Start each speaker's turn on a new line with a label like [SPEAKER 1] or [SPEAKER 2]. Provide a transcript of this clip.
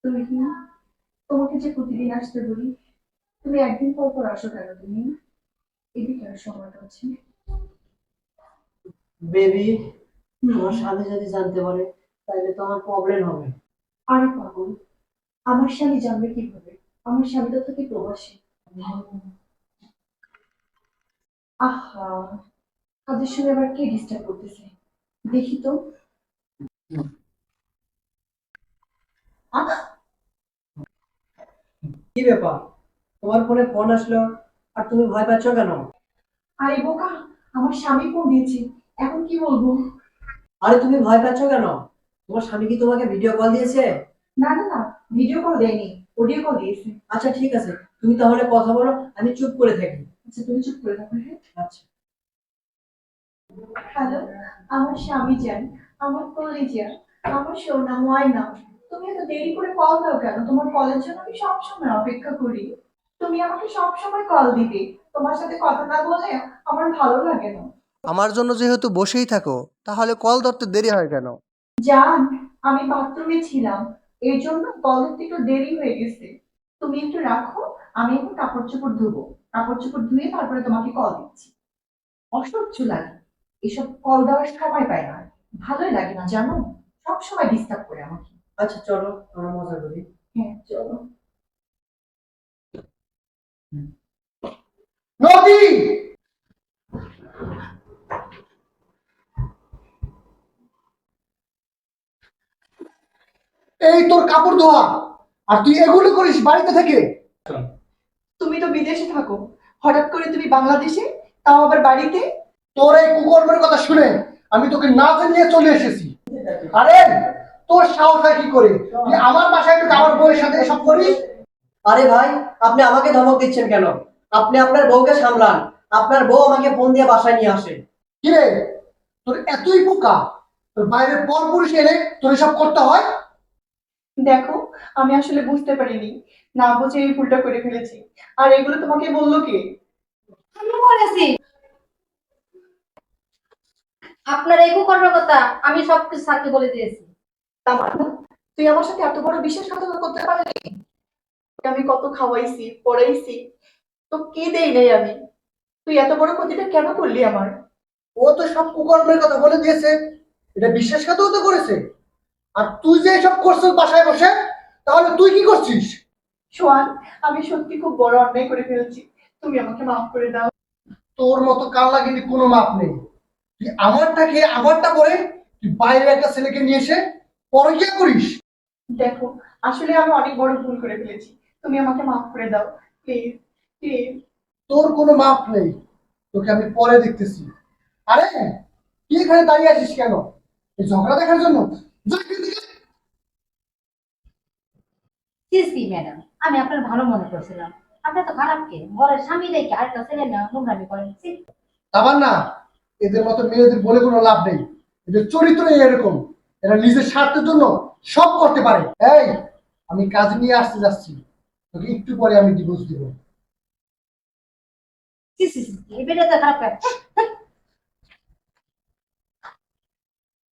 [SPEAKER 1] তুমি কি তোমাকে যে প্রতিদিন আসতে বলি, তুমি একদিন পর পর আসো কেন? তুমি এদিকে আর সময়টা হচ্ছে।
[SPEAKER 2] বেবি,
[SPEAKER 1] হুম।
[SPEAKER 2] তোমার স্বামী যদি জানতে পারে তাহলে তো আমার প্রবলেম হবে।
[SPEAKER 1] আরে পাগল, আমার স্বামী জানবে কিভাবে? আমার স্বামী তো থাকে প্রবাসী। আহা, কাজের সময় আবার কে ডিস্টার্ব করতেছে? দেখি তো। আহ,
[SPEAKER 2] কি ব্যাপার, তোমার ফোনে ফোন আসলো আর তুমি ভয় পাচ্ছ কেন?
[SPEAKER 1] আরে বোকা, আমার স্বামী ফোন দিয়েছে। এখন কি বলবো?
[SPEAKER 2] আরে তুমি ভয় পাচ্ছ কেন? তোমার স্বামী কি তোমাকে ভিডিও কল দিয়েছে?
[SPEAKER 1] না না না, ভিডিও কল দেয়নি, অডিও কল দিয়েছে।
[SPEAKER 2] আচ্ছা ঠিক আছে, তুমি তাহলে কথা বলো, আমি চুপ করে থাকি।
[SPEAKER 1] আচ্ছা তুমি চুপ করে থাকো, হ্যাঁ।
[SPEAKER 2] আচ্ছা।
[SPEAKER 1] হ্যালো, আমার স্বামী যান, আমার কলিজা, আমার সোনা ময়না, তুমি এত দেরি করে কল দাও কেন? তোমার কলের জন্য আমি সবসময় অপেক্ষা করি। তুমি আমাকে সবসময় কল দিবে। তোমার সাথে কথা না বলে আমার ভালো লাগে না।
[SPEAKER 3] আমার জন্য যেহেতু বসেই থাকো, তাহলে কল ধরতে দেরি হয় কেন?
[SPEAKER 1] জান, আমি বাথরুমে ছিলাম, এই জন্য কল দিতে একটু দেরি হয়ে গেছে। তুমি একটু রাখো, আমি এখন কাপড় চোপড় ধুবো। কাপড় চোপড় ধুয়ে তারপরে তোমাকে কল দিচ্ছি। অসহ্য লাগে, এসব কল দেওয়ার সময় পায় না। ভালোই লাগে না জানো, সব সময় ডিস্টার্ব করে আমাকে।
[SPEAKER 2] আচ্ছা চলো আমরা মজা করি।
[SPEAKER 1] হ্যাঁ চলো।
[SPEAKER 4] নদী, এই তোর কাপড় ধোয়া, আর তুই এগুলো করিস বাড়িতে থেকে?
[SPEAKER 1] তুমি তো বিদেশে থাকো, হঠাৎ করে তুমি বাংলাদেশে, তাও আবার বাড়িতে।
[SPEAKER 4] তোর এই কুকর্মের কথা শুনে আমি তোকে না জানিয়ে চলে এসেছি। আরে তোর সাহস হয় কি করে তুই আমার বাসায় ঢুকে আমার বউয়ের সাথে এসব করিস?
[SPEAKER 2] আরে ভাই, আপনি আমাকে ধমক দিচ্ছেন কেন? আপনি আপনার বউকে সামলান। আপনার বউ আমাকে ফোন দিয়ে বাসায় নিয়ে আসে।
[SPEAKER 4] কিরে, তোর এতই বোকা, তোর বাইরের পর পুরুষ এনে তোর এসব করতে হয়?
[SPEAKER 1] দেখো, আমি আসলে বুঝতে পারিনি, না বুঝে এই ভুলটা করে ফেলেছি। আর এগুলো তোমাকে বললো কে?
[SPEAKER 5] আমি বলেছি আপনার এই কুকর্মের কথা আমি সবকিছু স্যারকে বলে দিয়েছি।
[SPEAKER 1] তামান্না, তুই আমার সাথে এত বড় বিশ্বাসঘাতকতা করতে পারলি? তোকে আমি কত খাওয়াইছি পড়াইছি, তো কি দেই নাই আমি? তুই এত বড় ক্ষতিটা কেন করলি আমার?
[SPEAKER 4] ও তো সব কুকর্মের কথা বলে দিয়েছে, এটা বিশ্বাসঘাতকতা করেছে। আর তুই যে এসব করছিস বাসায় বসে, তাহলে তুই কি করছিস?
[SPEAKER 1] সোয়ান, আমি সত্যি খুব বড় অন্যায় করে ফেলেছি, তুমি আমাকে মাফ করে দাও।
[SPEAKER 4] তোর মতো কাল্লা কিন্তু কোনো মাপ নেই। তুই আমারটা খেয়ে আমারটা করে তুই বাইরের একটা ছেলেকে নিয়ে এসে পরকিয়া করিস?
[SPEAKER 1] দেখো, আসলে আমি অনেক বড় ভুল করে ফেলেছি, তুমি আমাকে মাফ করে দাও, প্লিজ প্লিজ।
[SPEAKER 4] তোর কোনো মাপ নেই, তোকে আমি পরে দেখতেছি। আরে তুই এখানে দাঁড়িয়ে আছিস কেন? এই ঝগড়া দেখার জন্য? যা এখান থেকে।
[SPEAKER 5] সি সি ম্যাডাম, আমি আপনার ভালো মনে করছিলাম। আপনি তো খারাপ কে, ঘরের স্বামী রেখে আরেকটা ছেলে না নোংরামি করেন। ছি।
[SPEAKER 4] আবার না, এদের মতো মেয়েদের বলে কোনো লাভ নেই। এদের চরিত্রই এরকম, এরা নিজের স্বার্থের জন্য সব করতে পারে। এই, আমি কাজ নিয়ে আসতে যাচ্ছি, তোকে একটু পরে আমি ডিভোর্স দিব।
[SPEAKER 5] সি সি সি, এই বেটা তো খারাপ করে।